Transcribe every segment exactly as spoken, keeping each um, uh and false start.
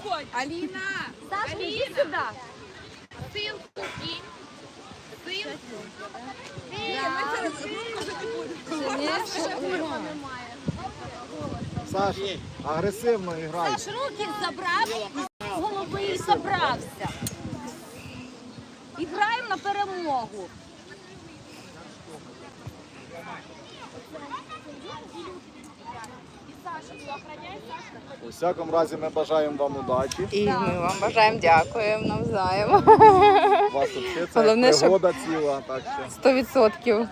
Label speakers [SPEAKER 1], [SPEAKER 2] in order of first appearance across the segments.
[SPEAKER 1] уходь. Аліна,
[SPEAKER 2] Саша,
[SPEAKER 1] Аліна.
[SPEAKER 2] иди сюда.
[SPEAKER 1] Силку кинь. Силку.
[SPEAKER 3] Саш, агресивно грай.
[SPEAKER 2] Саш, руки забрав з голови і забрався. І граємо на перемогу.
[SPEAKER 3] У всякому разі ми бажаємо вам удачі.
[SPEAKER 4] І ми вам бажаємо, дякуємо навзаєм.
[SPEAKER 3] У вас тут ще це
[SPEAKER 4] Головне, щоб-
[SPEAKER 3] пригода ціла, так що
[SPEAKER 4] Сто відсотків.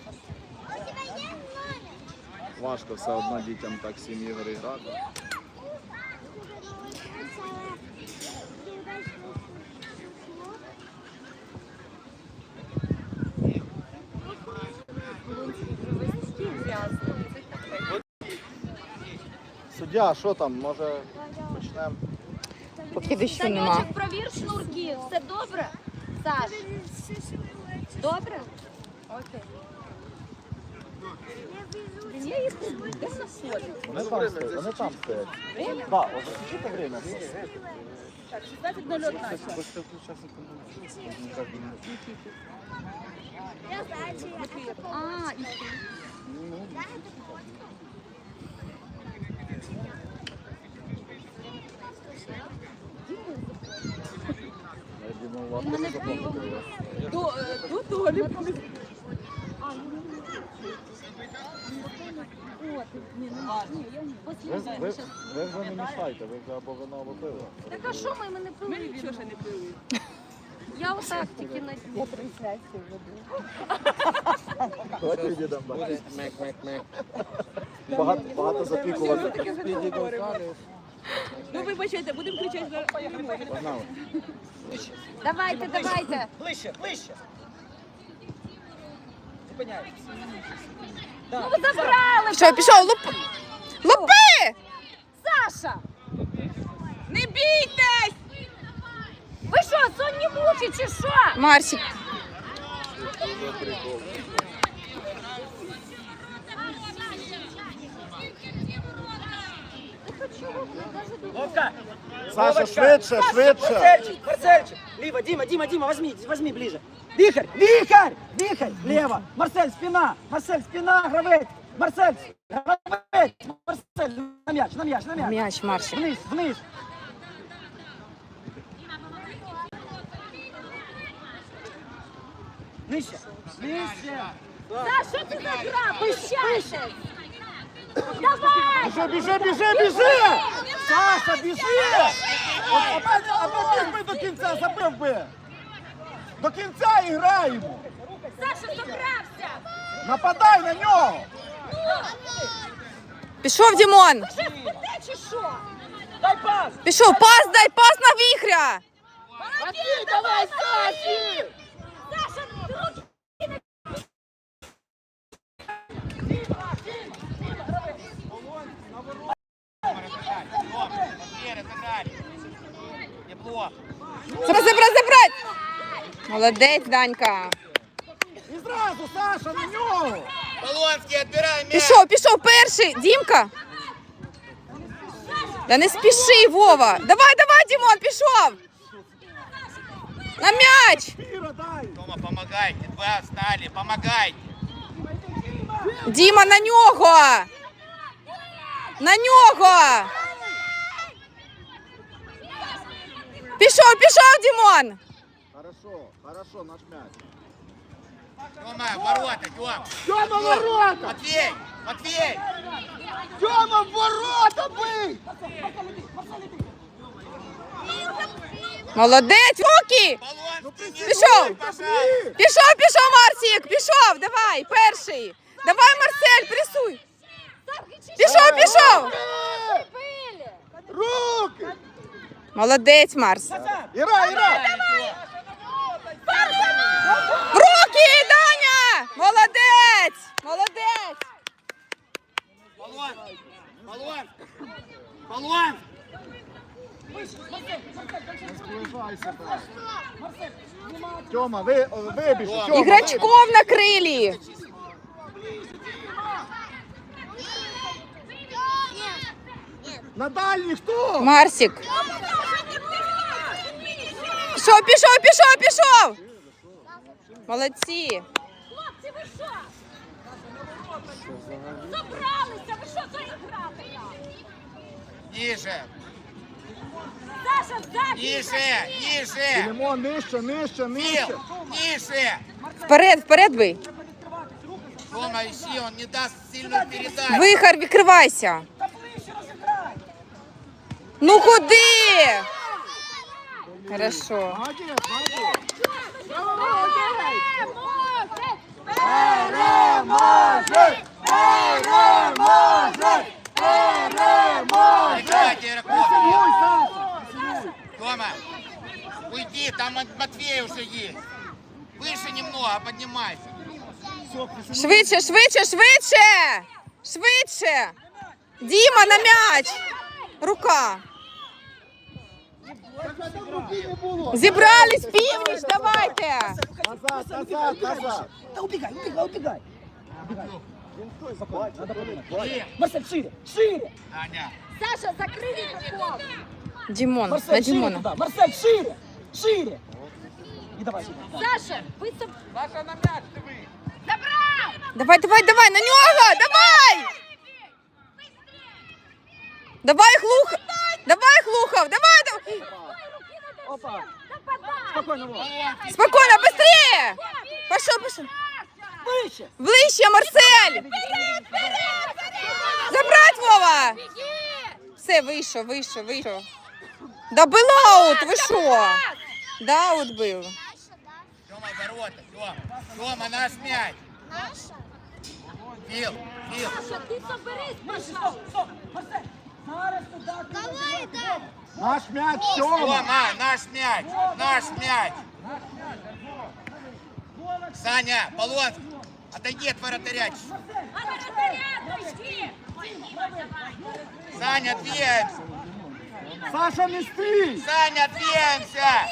[SPEAKER 3] важко все одно дітям так сім ігор і грати. Суддя, що там, може почнемо?
[SPEAKER 4] Поки дощу нема.
[SPEAKER 2] Санечок, провір шнурки. Все добре? Саш? Добре? Окей. Я їх де на полі?
[SPEAKER 3] Вони там стоять, вони там стоять. Так, ось засічите время.
[SPEAKER 1] Так, шістнадцять нуль один.
[SPEAKER 2] А, і
[SPEAKER 3] Я думаю, у вас теж запомнили.
[SPEAKER 1] До, до долі.
[SPEAKER 3] Ви, ви, ви вже не мішайте, ви вже або вино, або пиво.
[SPEAKER 2] так а що ми, ми не
[SPEAKER 1] Ми
[SPEAKER 2] пили?
[SPEAKER 1] нічого ще не пили.
[SPEAKER 2] Я отак тільки на дні.
[SPEAKER 3] Давайте відійдемо далі. Багато, багато запікувати.
[SPEAKER 1] Таке вже не говоримо. Ну, вибачайте, будемо кричати за перемогу.
[SPEAKER 3] Погнали.
[SPEAKER 2] Давайте, давайте.
[SPEAKER 5] Ближче, ближче. Зупиняйтесь.
[SPEAKER 2] Ну ви забрали!
[SPEAKER 4] Що, пішов? Луп... Лупи!
[SPEAKER 2] Саша!
[SPEAKER 1] Не бійтесь!
[SPEAKER 2] Ви що, сонні мухи чи що?
[SPEAKER 4] Марсик.
[SPEAKER 5] Вовка!
[SPEAKER 3] Саша,
[SPEAKER 5] Вовочка!
[SPEAKER 3] швидше, швидше.
[SPEAKER 5] Марсельчик, Марсельчик! Лево, Дима, Дима, Дима, возьми, возьми ближе. Вихрь, вихрь, вихрь, лево. Марсель, спина, Марсель, спина, гравець. Марсель, гравець. Марсель, на мяч, на мяч, на мяч.
[SPEAKER 4] М'яч, Марсик.
[SPEAKER 5] Вниз, вниз. Нижче, нижче.
[SPEAKER 2] Саш, що це за гра? Пищайся! Давай!
[SPEAKER 3] Біжи, біжи, біжи, біжи! Саша, біжи! От, аби, аби біг би до кінця, забив би! До кінця і граємо!
[SPEAKER 2] Саша, забрався!
[SPEAKER 3] Нападай на нього!
[SPEAKER 4] Пішов, Дімон.
[SPEAKER 2] Що, спите чи що?
[SPEAKER 5] Дай пас.
[SPEAKER 4] Пішов, пас дай, пас на віхря.
[SPEAKER 3] Матвій, давай, Саші!
[SPEAKER 2] Саша, руки!
[SPEAKER 4] Забрать, забрать, забрать. Молодець, Данька.
[SPEAKER 3] І зразу, Саша, на нього!
[SPEAKER 6] Полонский, отбирай мяч!
[SPEAKER 4] Пішов, пішов перший. Дімка. Та не спіши, Вова. Давай, давай, Дімон, пішов. На м'яч.
[SPEAKER 3] Піра, дай!
[SPEAKER 6] Тома, помогайте, два встали, помогайте!
[SPEAKER 4] Діма, на нього. На нього. Пішов, пішов, Дімон.
[SPEAKER 3] Хорошо, хорошо, наш м'яч.
[SPEAKER 6] Тома, ворота, Тём!
[SPEAKER 3] Тьома, ворота!
[SPEAKER 6] Матвей! Матвей!
[SPEAKER 3] Тьома, ворота бий!
[SPEAKER 4] Молодець, руки.
[SPEAKER 6] Полонский, не
[SPEAKER 4] Пішов.
[SPEAKER 6] дуй, пожалуйста!
[SPEAKER 4] Пішов, пішов, Марсик, пішов, давай, перший. Давай, Марсель, пресуй. Пішов, пішов.
[SPEAKER 3] Руки!
[SPEAKER 4] Молодець, Марс.
[SPEAKER 3] Іра, Іра!
[SPEAKER 4] Руки, Даня! Молодець! Молодець!
[SPEAKER 6] Полон! Полон! Полон!
[SPEAKER 3] Сближайся, брат. Тьома, ви, вибіж. Тьома,
[SPEAKER 4] Іграчков на крилі.
[SPEAKER 3] На дальній хто?
[SPEAKER 4] Марсик. Пішов, пішов, пішов, пішов. Молодці.
[SPEAKER 2] Хлопці, ви що? Забралися, ви що заіграти?
[SPEAKER 6] Ниже.
[SPEAKER 2] Саша, ззаді!
[SPEAKER 6] Ниже. Ниже.
[SPEAKER 3] Філімон, нижче, нижче, нижче.
[SPEAKER 6] Фил. Ниже.
[SPEAKER 4] Вперед, вперед бий.
[SPEAKER 6] Рома, ищи, он не даст сильную передачу.
[SPEAKER 4] Вихар, відкривайся. Ну куди? Хорошо.
[SPEAKER 3] Молодець, молодець.
[SPEAKER 2] Переможець!
[SPEAKER 3] Переможець! Переможець!
[SPEAKER 6] Прекратите игроков.
[SPEAKER 3] Присягуй, Саша!
[SPEAKER 6] Рома, уйди, там Мат- Матвей уже есть. Выше немного, поднимайся.
[SPEAKER 4] Швидше, швидше, швидше. Швидше. Діма, на м'яч. Рука. Зібрались, північ, давайте.
[SPEAKER 3] Назад, назад, назад.
[SPEAKER 5] Да убегай, убегай, убегай. Убегай. Надо подумать.
[SPEAKER 6] Иди.
[SPEAKER 5] Марсель, шире, шире.
[SPEAKER 6] Аня.
[SPEAKER 2] Саша, закрий ігроков!
[SPEAKER 4] Дімон, на
[SPEAKER 5] Марсель, шире
[SPEAKER 4] Дімона.
[SPEAKER 5] туда. Марсель, шире, шире. И давай сюда.
[SPEAKER 2] Саша, ви соб...
[SPEAKER 6] Саша, на мяч ты вы.
[SPEAKER 2] Забрав!
[SPEAKER 4] Давай, давай, давай, на нього, давай. Давай, Глухов. Давай, Глухов, давай, давай.
[SPEAKER 5] Опа.
[SPEAKER 2] Нападай!
[SPEAKER 5] Спокойно, Вова.
[SPEAKER 4] Спокойно, быстрее. Пошел, пошел.
[SPEAKER 5] Выше.
[SPEAKER 4] Ближче, Марсель. Забрать, Вова. Все, вийшов, вийшов, вийшов. Да был аут, ви що? Да, аут був.
[SPEAKER 6] Тёма, ворота, Тёма. Тёма, наш мяч. Фил, Фил.
[SPEAKER 2] Саша, ти соберись,
[SPEAKER 5] Стоп,
[SPEAKER 2] пожалуйста!
[SPEAKER 5] стоп. Марсель. Зараз туда. Давай, да.
[SPEAKER 3] Наш м'яч, Тьома.
[SPEAKER 6] Тёма, наш мяч. Наш мяч. Саня, Полонский, отойди от вратаря. Саня, двигаемся.
[SPEAKER 3] Саша, не стій.
[SPEAKER 6] Саня, двигаемся.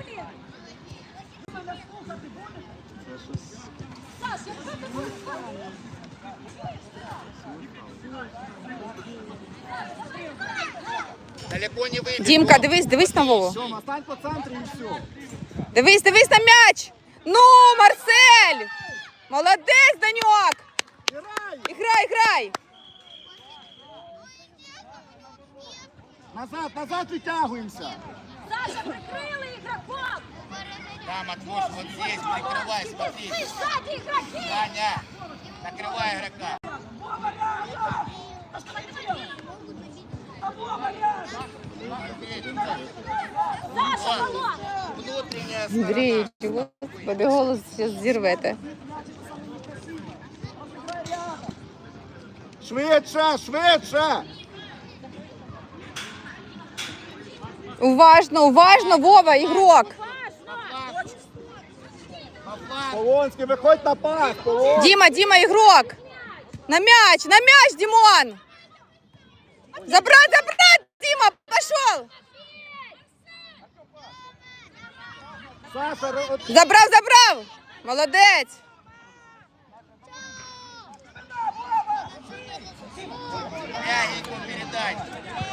[SPEAKER 6] Далеко не выйдет.
[SPEAKER 4] Дімка, дивись, дивись на Вову.
[SPEAKER 3] Тьома, стань по центрі і все.
[SPEAKER 4] Дивись, дивись на м'яч. Ну, Марсель. Молодець, Даньок.
[SPEAKER 3] Грай.
[SPEAKER 4] Іграй, грай.
[SPEAKER 3] Назад, назад витягуємося.
[SPEAKER 2] Саша, прикрили ігроков!
[SPEAKER 6] Да, Матвуш, вот здесь прикрывай, смотри.
[SPEAKER 2] Ти ззаді ігроки!
[SPEAKER 6] Саня, накрывай игрока.
[SPEAKER 2] Саша, балон!
[SPEAKER 6] Внутренняя
[SPEAKER 4] Андрій, господи, голос зараз зірвете.
[SPEAKER 3] Швидше, швидше.
[SPEAKER 4] Уважно, уважно, Вова, ігрок.
[SPEAKER 3] Полонський, виходь на пас. Полонський.
[SPEAKER 4] Діма, Діма, ігрок. На м'яч, на м'яч, Дімон. Забрать, забрать, Діма, пішов.
[SPEAKER 3] Саша, ро- от-
[SPEAKER 4] Забрав, забрав. Молодець.
[SPEAKER 6] мягенькую передачу.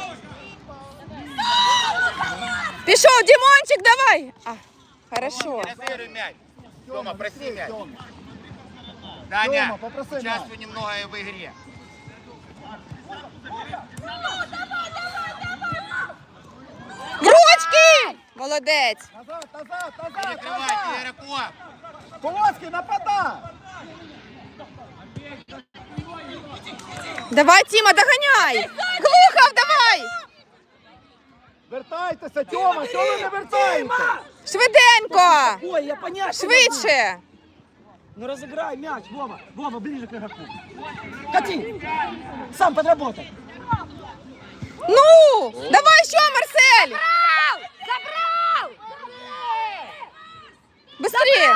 [SPEAKER 4] Пішов, Дімончик, давай. А, хорошо.
[SPEAKER 6] Разыгрывай мяч. Тёма, проси мяч.
[SPEAKER 3] Тьома.
[SPEAKER 6] Даня,
[SPEAKER 3] Тёма, попроси
[SPEAKER 6] участвуй немного и в игре.
[SPEAKER 4] В ручки. Молодець.
[SPEAKER 3] Назад, назад, назад,
[SPEAKER 6] Перекрывайте
[SPEAKER 3] назад.
[SPEAKER 6] игроков.
[SPEAKER 3] Полонський, нападай.
[SPEAKER 4] Давай, Тіма, доганяй. Глухов, давай.
[SPEAKER 3] Вертайтеся, Тьома, що ви не вертаєте?
[SPEAKER 4] Швиденько.
[SPEAKER 5] Ой, я понять. не могу.
[SPEAKER 4] Швидше.
[SPEAKER 5] Ну разыграй мяч, Вова. Вова, ближе к игроку. Кати. Сам подработай.
[SPEAKER 4] Ну, давай ще, Марсель.
[SPEAKER 2] Забрав!
[SPEAKER 4] Быстрее.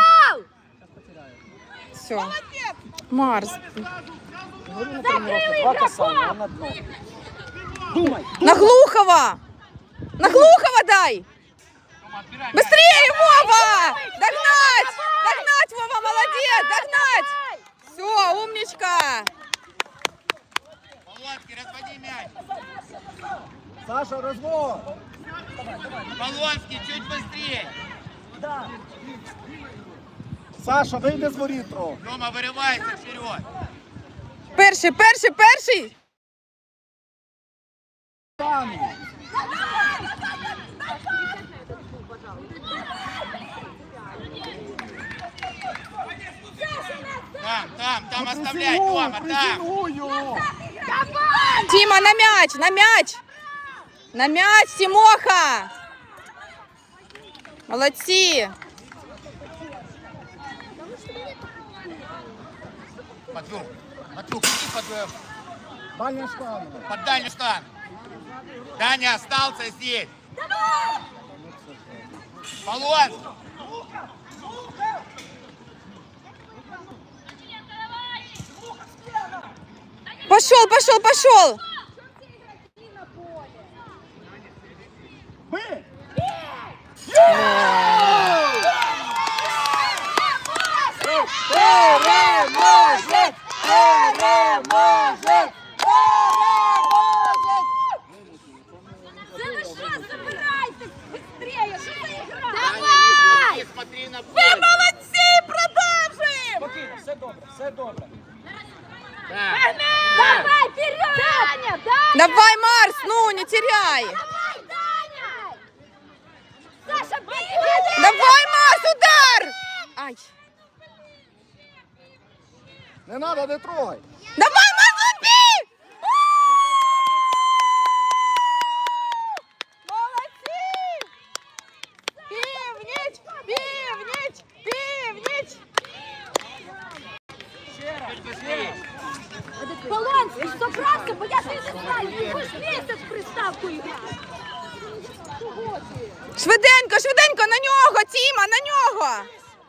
[SPEAKER 4] Все. Марс.
[SPEAKER 5] Говорю на тренировке, два касания, он на дно. Думай.
[SPEAKER 4] На Глухова. На Глухова дай. Быстрее, Вова. Догнать. Догнать, Вова, молодец. Догнать. Все, умничка.
[SPEAKER 6] Полонский, разводи мяч.
[SPEAKER 3] Саша, розвод.
[SPEAKER 6] Полонский, чуть быстрее.
[SPEAKER 5] Да.
[SPEAKER 3] Саша, вийди з воріт трохи.
[SPEAKER 6] Рома, вырывайся вперед.
[SPEAKER 4] Перший, перший, перший.
[SPEAKER 3] Там.
[SPEAKER 6] Там, там, там
[SPEAKER 3] Ну,
[SPEAKER 6] оставляй,
[SPEAKER 3] присягну,
[SPEAKER 6] Рома, там.
[SPEAKER 3] присягную.
[SPEAKER 4] Тіма, на м'яч, на м'яч. На м'яч, Тімоха. Молодці.
[SPEAKER 6] Матвей, Матвей, иди под, э,
[SPEAKER 3] Дальня штанга.
[SPEAKER 6] под дальнюю штангу. Даня остался здесь. Полонский.
[SPEAKER 4] Пошел, пошел, пошел.
[SPEAKER 3] Бий! Переможець! Переможець!
[SPEAKER 2] Це ви що, забирайте быстрее, що за ігра?
[SPEAKER 6] Давай! Смотри на поле.
[SPEAKER 1] Молодці, продовжуємо!
[SPEAKER 5] Спокійно, все добре, все добре.
[SPEAKER 6] Да.
[SPEAKER 2] Давай, вперед! Даня, Даня!
[SPEAKER 4] Давай, Марс, ну не теряй.
[SPEAKER 2] Давай, Даня! Саша, бей!
[SPEAKER 4] Давай, Марс, удар. Ай.
[SPEAKER 3] Не надо, не трогай.
[SPEAKER 4] Давай, Марс, убей. Молодці. Північ, північ, північ.
[SPEAKER 2] Полонський, собрався, бо я ти не знаю, ти хоч місяць в приставку грати.
[SPEAKER 4] Швиденько, швиденько, на нього, Тіма, на нього.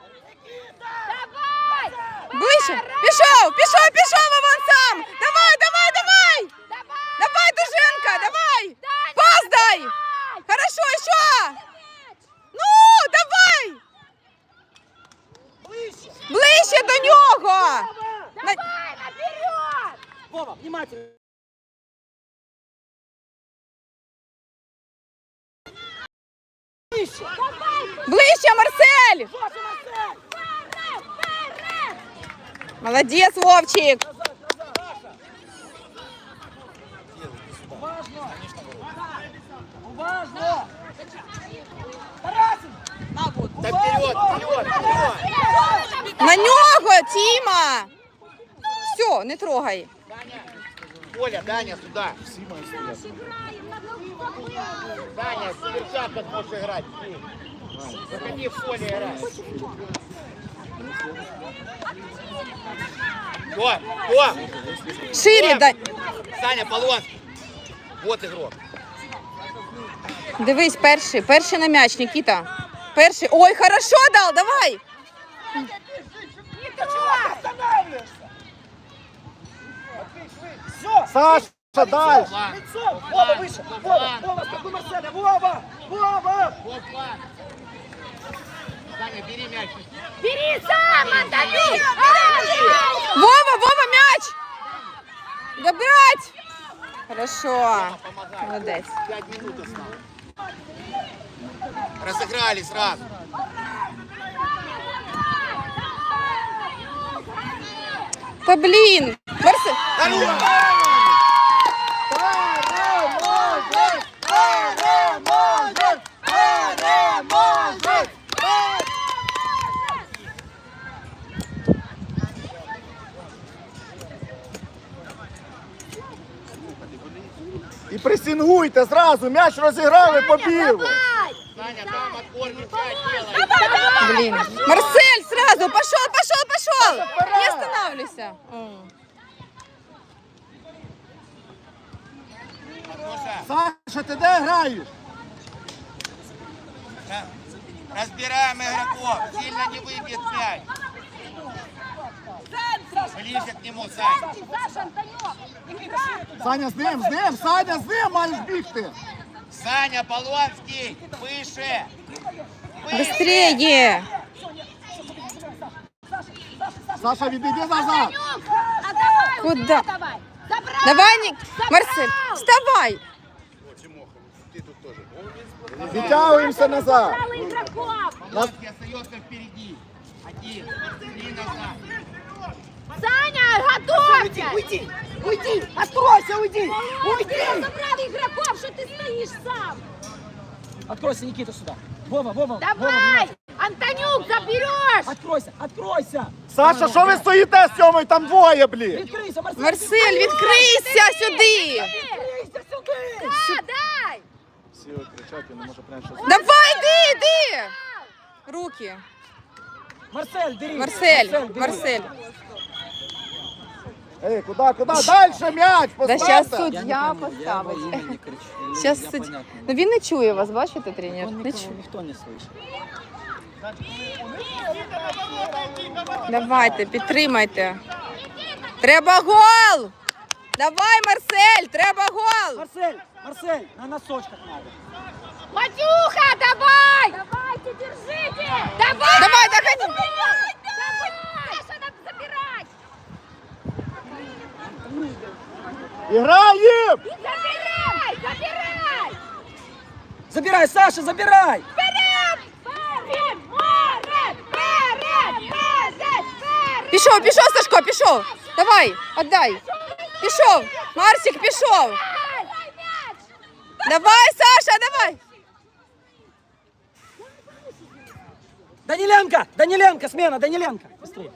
[SPEAKER 2] Давай!
[SPEAKER 4] Ближче. Пішов, пішов, пішов, а вон сам. Давай, давай, давай.
[SPEAKER 2] Давай!
[SPEAKER 4] Давай, Дуженко, давай. Пас дай. Хорошо, еще. Ну, давай. Ближче до нього. На-
[SPEAKER 2] Давай, наперед!
[SPEAKER 5] Вова, внимательно.
[SPEAKER 4] Ближче, Марсель. Молодец, Вовчик.
[SPEAKER 5] Уважно. Уважно. Тарасин.
[SPEAKER 6] Да вперед, вперед, вперед.
[SPEAKER 4] На нього, Тіма. Все, не трогай.
[SPEAKER 6] Коля, Даня, сюда. Даня, с перчаткой можешь играть. Заходи в поле играть. Кто? Кто?
[SPEAKER 4] Шире, да.
[SPEAKER 6] Саня, Полонский. Вот игрок.
[SPEAKER 4] Дивись, перший, перший на м'яч, Нікіта. Перший. Ой, хорошо дал, давай.
[SPEAKER 5] Все.
[SPEAKER 3] Саша, дальше.
[SPEAKER 6] План.
[SPEAKER 5] Лицом. Вова выше. Вова, Вова, скакуй Марселя. Вова, Вова.
[SPEAKER 6] Вот план. Саня, бери мяч.
[SPEAKER 2] Бери сам, отдай!
[SPEAKER 4] Вова, Вова, мяч. Добрать. Хорошо.
[SPEAKER 6] Помогай.
[SPEAKER 4] Молодець.
[SPEAKER 6] Пять минут осталось. Разыграли сразу.
[SPEAKER 4] Та блін. Марсель.
[SPEAKER 3] Переможець! Переможець! Переможець! І пресингуйте зразу, м'яч розіграли, побігли.
[SPEAKER 6] Саня, там отборный мяч делай.
[SPEAKER 4] Блін. Марсель, сразу. Пошел, пошел, пошел. Не останавливайся. О.
[SPEAKER 6] Матвуша,
[SPEAKER 3] Саша, ти де граєш?
[SPEAKER 6] да. Разбираем игроков. Сильно не выбьет мяч. Ближе к нему, Саня.
[SPEAKER 2] Саша, Антонюк!
[SPEAKER 3] Саня, з ним, з ним, Саня, з ним маєш бігти.
[SPEAKER 6] Саня, Полонский, выше.
[SPEAKER 4] Быстрее.
[SPEAKER 3] Саша, відійди назад.
[SPEAKER 2] А давай,
[SPEAKER 4] Куда?
[SPEAKER 2] давай! Забрал!
[SPEAKER 4] Давай, Ник... Марсель, вставай.
[SPEAKER 3] Відтягуємося назад.
[SPEAKER 2] Забрал игроков!
[SPEAKER 6] Короткий остается впереди. Один. Три назад.
[SPEAKER 2] Саня, готовься!
[SPEAKER 5] Уйди! Уйди! Откройся, уйди! Уйди!
[SPEAKER 2] Забрав ігроків, що ти стоїш сам!
[SPEAKER 5] Откройся, Никита, сюда. Вова, Вова, Вова,
[SPEAKER 2] Давай!
[SPEAKER 5] внимательно.
[SPEAKER 2] Антонюк, забереш!
[SPEAKER 5] Откройся, откройся!
[SPEAKER 3] Саша, що ви стоїте з Сьомою? Там двоє, блін.
[SPEAKER 5] Відкрийся, Марсель!
[SPEAKER 4] Марсель, відкрийся сюди!
[SPEAKER 5] Відкрийся сюди!
[SPEAKER 2] Да, дай!
[SPEAKER 3] Всі кричать, я не можу прямо щось.
[SPEAKER 4] Давай, йди, йди! Руки.
[SPEAKER 5] Марсель, бери!
[SPEAKER 4] Марсель,
[SPEAKER 5] бери.
[SPEAKER 4] Марсель.
[SPEAKER 3] Ей, куди, куди? Дальше м'яч,
[SPEAKER 4] Да
[SPEAKER 3] поставте.
[SPEAKER 4] зараз
[SPEAKER 5] Я не
[SPEAKER 4] суддя
[SPEAKER 5] пойму, я во
[SPEAKER 4] поставить.
[SPEAKER 5] имя не кричу. Я-
[SPEAKER 4] Зараз
[SPEAKER 5] я
[SPEAKER 4] суддя.
[SPEAKER 5] понятно.
[SPEAKER 4] Ну він не чує вас, бачите, тренер?
[SPEAKER 5] Он
[SPEAKER 4] Не
[SPEAKER 5] никого,
[SPEAKER 4] чує.
[SPEAKER 5] никто не слышит.
[SPEAKER 4] Давайте, підтримайте. Треба гол! Давай, Марсель, треба гол!
[SPEAKER 5] Марсель, Марсель, на носочках надо.
[SPEAKER 2] Матюха, давай! Давайте, держите! Давай!
[SPEAKER 4] Давай, доходи!
[SPEAKER 2] Давай! Саша, надо забирать!
[SPEAKER 3] Іграєм!
[SPEAKER 2] Забирай! Забирай!
[SPEAKER 5] Забирай, Саша, забирай!
[SPEAKER 2] Вперед! Вперед! Вперед! Вперед! Вперед! Вперед!
[SPEAKER 4] Пішов, пішов, Сашко, пішов! Давай, віддай! Пішов! Марсик, пішов! Давай, Саша, давай!
[SPEAKER 5] Даниленко, Даниленко, смена, Даниленко. Быстрее.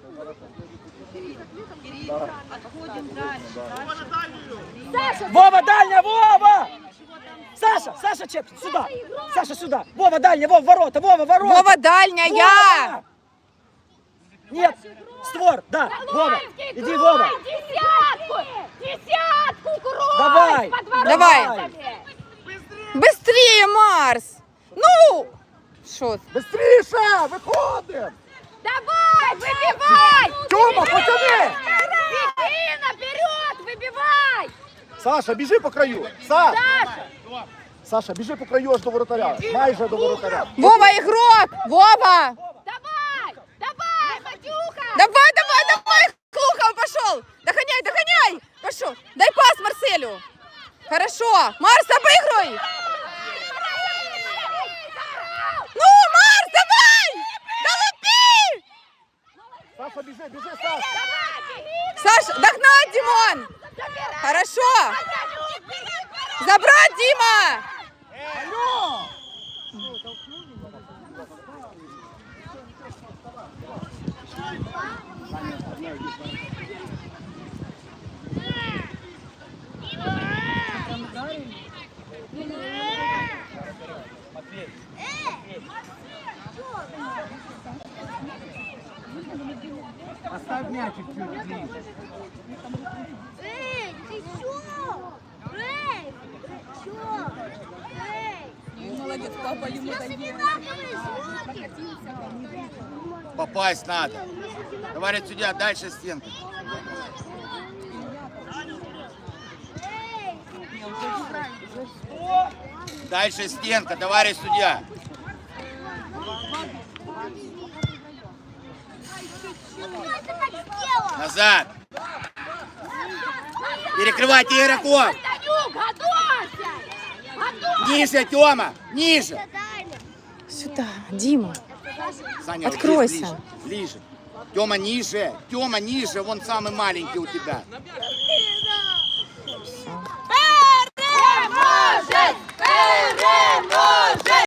[SPEAKER 2] Саша,
[SPEAKER 5] Вова, дальняя, Вова! Саша, Саша, чеп, сюда. Саша, сюда. Вова, дальняя, Вова, ворота, Вова, ворота.
[SPEAKER 4] Вова, дальня, я!
[SPEAKER 5] Вова! Нет, створ, да, Вова.
[SPEAKER 2] Куранский,
[SPEAKER 5] Иди,
[SPEAKER 2] крой!
[SPEAKER 5] Вова.
[SPEAKER 2] Десятку! Десятку, крой!
[SPEAKER 5] Давай,
[SPEAKER 2] Под воротами!
[SPEAKER 4] давай. Быстрее, Марс! Ну! Що?
[SPEAKER 3] Быстріше! Виходимо!
[SPEAKER 2] Давай, выбивай!
[SPEAKER 3] Тьома, потяни!
[SPEAKER 2] Беги наперед, выбивай!
[SPEAKER 3] Саша, біжи по краю! Саш!
[SPEAKER 2] Саша!
[SPEAKER 3] Саша, біжи по краю аж до воротаря. Майже до воротаря.
[SPEAKER 4] Вова, ігрок! Вова!
[SPEAKER 2] Давай! Давай, Матюха!
[SPEAKER 4] Давай, давай, давай! Клухов пошел! Догоняй, догоняй! Пошел! Дай пас Марселю! Хорошо! Марс, обыгрывай! Ну, Марс, давай! Долупи!
[SPEAKER 3] Саша, біжи, біжи, Саш!
[SPEAKER 4] Саша, догнать, Димон! Хорошо! Забрать, Дима!
[SPEAKER 3] Алло! Оставь мячик чуть ближе.
[SPEAKER 7] Эй, ты чё? Эй, ты чё? Эй,
[SPEAKER 1] Молодець, папа йому
[SPEAKER 7] я
[SPEAKER 1] дає.
[SPEAKER 7] одинаковые звуки.
[SPEAKER 6] Попасть надо. Давай сюда, дальше стенка. Дальше стенка, товарищ судья.
[SPEAKER 7] Кто это так сделал?
[SPEAKER 6] Назад. Перекрывайте игроков.
[SPEAKER 2] Антонюк, готовься! Готовься!
[SPEAKER 6] Ниже, Тёма, ниже.
[SPEAKER 4] Сюда, Дима.
[SPEAKER 6] Саня, вот
[SPEAKER 4] Откройся.
[SPEAKER 6] здесь ближе, ближе. Тёма, ниже. Тёма, ниже. Вон самый маленький у тебя.
[SPEAKER 2] Переможець! Переможець!